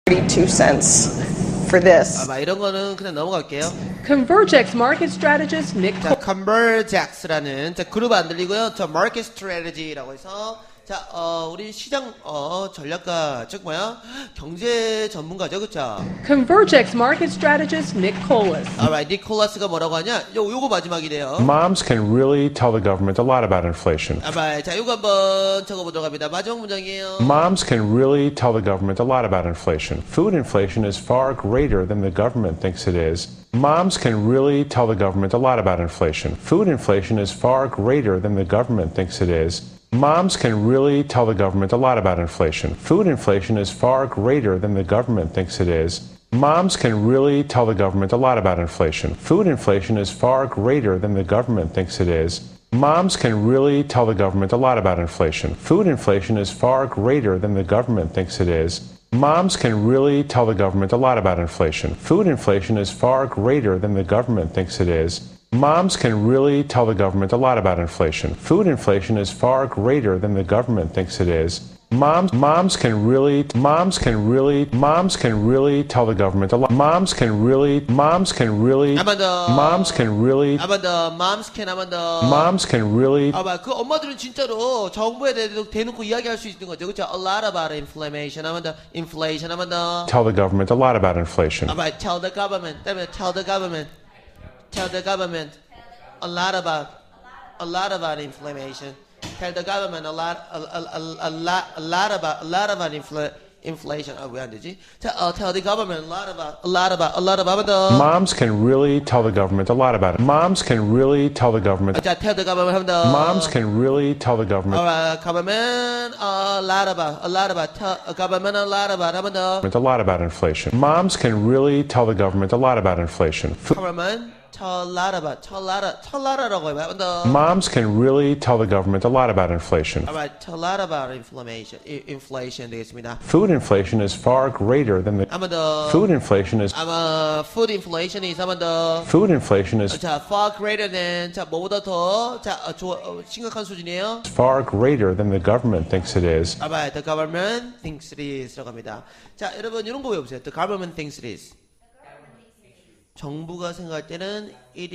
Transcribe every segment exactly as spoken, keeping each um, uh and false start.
thirty-two cents for this. 아마 이런 거는 그냥 넘어갈게요. Convergex market strategist Nick 자, Convergex라는 자, 그룹 안 들리고요. 저 Market Strategy라고 해서 자, 어, 우리 시장 어, 전략가 즉 뭐야? 경제 전문가죠, 그렇죠? Convergex market strategist Nick Colas. Alright, 니콜라스가 뭐라고 하냐? 요 요거 마지막이래요. Moms can really tell the government a lot about inflation. Alright, 자, 요거 한번 적어보도록 합니다. 마지막 문장이에요. Moms can really tell the government a lot about inflation. Food inflation is far greater than the government thinks it is. Moms can really tell the government a lot about inflation. Food inflation is far greater than the government thinks it is. Moms can really tell the government a lot about inflation. Food inflation is far greater than the government thinks it is. Moms can really tell the government a lot about inflation. Food inflation is far greater than the government thinks it is. Moms can really tell the government a lot about inflation. Food inflation is far greater than the government thinks it is. Moms can really tell the government a lot about inflation. Food inflation is far greater than the government thinks it is. Moms can really tell the government a lot about inflation. Food inflation is far greater than the government thinks it is. Moms, moms can really, moms can really, moms can really tell the government a lot. Moms can really, moms can really, 한번 더. moms can really, 한번 더. Moms can 한번 더. moms can really. 아마 그 엄마들은 진짜로 정부에 대해서 대놓고 이야기할 수 있는 거죠, 그렇죠? A lot about inflation. 한번 더. Inflation 한번 더. Tell the government a lot about inflation. 아마 tell the government. 때문에 tell the government. Tell the government a lot about a lot about inflammation. Tell the government a lot a, a, a, a lot a lot about a lot about infl, inflation. 아, 왜 안 되지? 자, uh, tell the government a lot about a lot about a lot about the Moms can really tell the government a lot about it. Moms can really tell the government. 자, tell the government 한번 더. Moms can really tell the government Alright, government a lot about a lot about tell a government a lot about 한번 더. a lot about inflation. Moms can really tell the government a lot about inflation. Food government tell a lot about tell a lot of tell a lot of 한번 더. Moms can really tell the government a lot about inflation. Alright, tell a lot about inflammation. I, inflation 되겠습니다. Food inflation is far greater than the 한번 더. Food inflation is 아마 food inflation is 한번 더. Food inflation is 자, far greater than 자 뭐보다 더 자 어, 조, 어, 심각한 수준이에요. far greater than the government thinks it is. 아마 the government thinks it is 들어갑니다. 자, 여러분 이런 거 외워보세요. The government thinks it is. 정부가 생각할 때는 it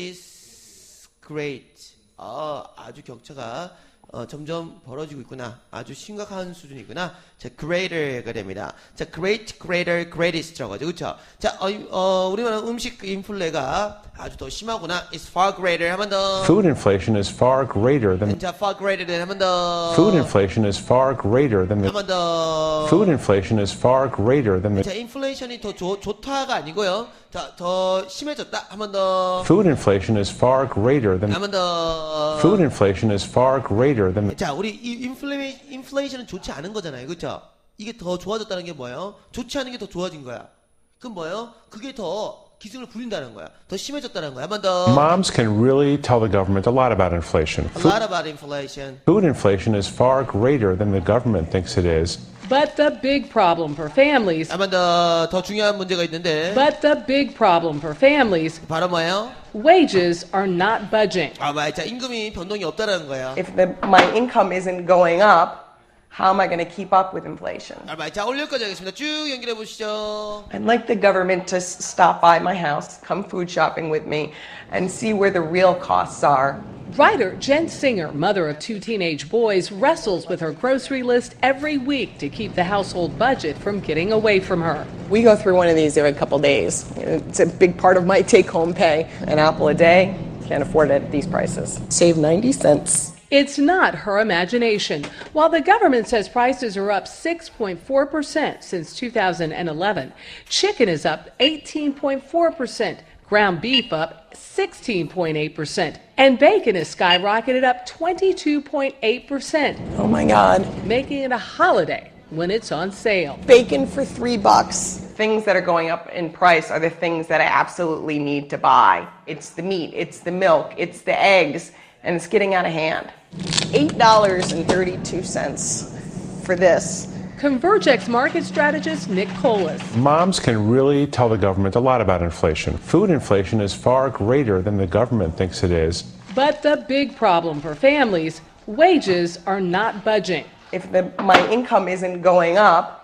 is great. 어, 아주 격차가 어, 점점 벌어지고 있구나. 아주 심각한 수준이구나. 자, greater가 됩니다. 자, great, greater, greatest라고 하죠. 그렇죠? 자, 어, 어, 우리나라 음식 인플레가 아주 더 심하구나. It's far greater. 한 번 더. Food inflation is far greater than 자, far greater than 한 번 더. Food inflation is far greater than 한 the 번 더. Food inflation is far greater than the 자, 인플레이션이 더 좋, 좋다가 아니고요. 자, 더 심해졌다. 한 번 더. Food inflation is far greater than 한 번 더. Food inflation is far greater than the 자, 우리 이 인플레 인플레이션은 좋지 않은 거잖아요. 그렇죠? 이게 더 좋아졌다는 게 뭐예요? 좋지 않은 게 더 좋아진 거야. 그럼 뭐예요? 그게 더 기승을 부린다는 거야. 더 심해졌다는 거야. 한 번 더. Moms can really tell the government a lot about inflation. A lot about inflation. Food inflation is far greater than the government thinks it is. But the big problem for families. 한 번 더 더 중요한 문제가 있는데. But the big problem for families. 바로 뭐예요? Wages are not budging. 아, 맞아. 임금이 변동이 없다라는 거야. If the, my income isn't going up, how am I going to keep up with inflation? 아, 맞아. 자, 올릴 거지 하겠습니다. 쭉 연결해 보시죠. I'd like the government to s- stop by my house, come food shopping with me, and see where the real costs are. Writer Jen Singer, mother of two teenage boys, wrestles with her grocery list every week to keep the household budget from getting away from her. We go through one of these every couple days. It's a big part of my take-home pay. An apple a day, can't afford it at these prices. Save ninety cents. It's not her imagination. While the government says prices are up six point four percent since two thousand eleven, chicken is up eighteen point four percent, ground beef up sixteen point eight percent, and bacon has skyrocketed up twenty-two point eight percent, Oh my God. making it a holiday when it's on sale. Bacon for three bucks. Things that are going up in price are the things that I absolutely need to buy. It's the meat, it's the milk, it's the eggs, and it's getting out of hand. eight dollars and thirty-two cents for this. Convergex market strategist Nick Colas. Moms can really tell the government a lot about inflation. Food inflation is far greater than the government thinks it is. But the big problem for families, wages are not budging. If the, my income isn't going up,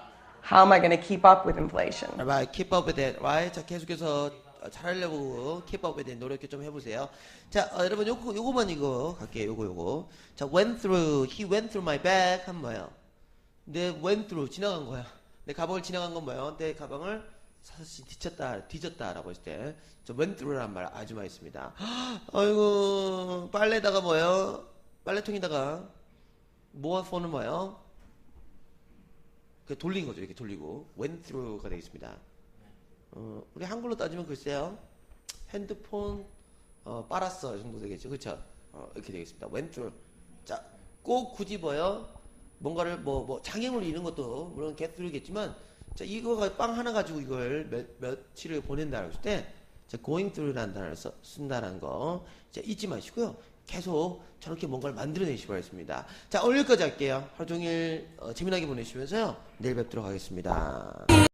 How am I going to keep up with inflation? Right, keep up with it, right? 자, 계속해서 잘하려고 keep up with it 노력 좀 해보세요. 자, 어, 여러분 요거 요거만 이거 갈게요. 요거 요거. 자, went through, he went through my bag 하면 뭐예요? 내 went through 지나간 거야. 내 가방을 지나간 건 뭐예요? 내 가방을 사실 뒤쳤다, 뒤졌다라고 했을 때, 저 went through라는 말 아주 많이 씁니다. 아이고, 빨래다가 뭐예요? 빨래통에다가 모아서는 뭐예요? 그 돌린 거죠. 이렇게 돌리고 went through가 되겠습니다. 어, 우리 한글로 따지면 글쎄요, 핸드폰 어, 빨았어 이 정도 되겠죠, 그렇죠? 어, 이렇게 되겠습니다. went through. 자, 꼭 굳이 뭐요? 뭔가를 뭐, 뭐 장애물 이런 것도 물론 get through겠지만, 자, 이거가 빵 하나 가지고 이걸 몇, 며칠을 보낸다고 했을 때, 자, going through라는 단어를 써, 쓴다는 거, 자, 잊지 마시고요. 계속 저렇게 뭔가를 만들어내시기 바랍니다. 자, 오늘까지 할게요. 하루 종일 어, 재미나게 보내시면서요. 내일 뵙도록 하겠습니다.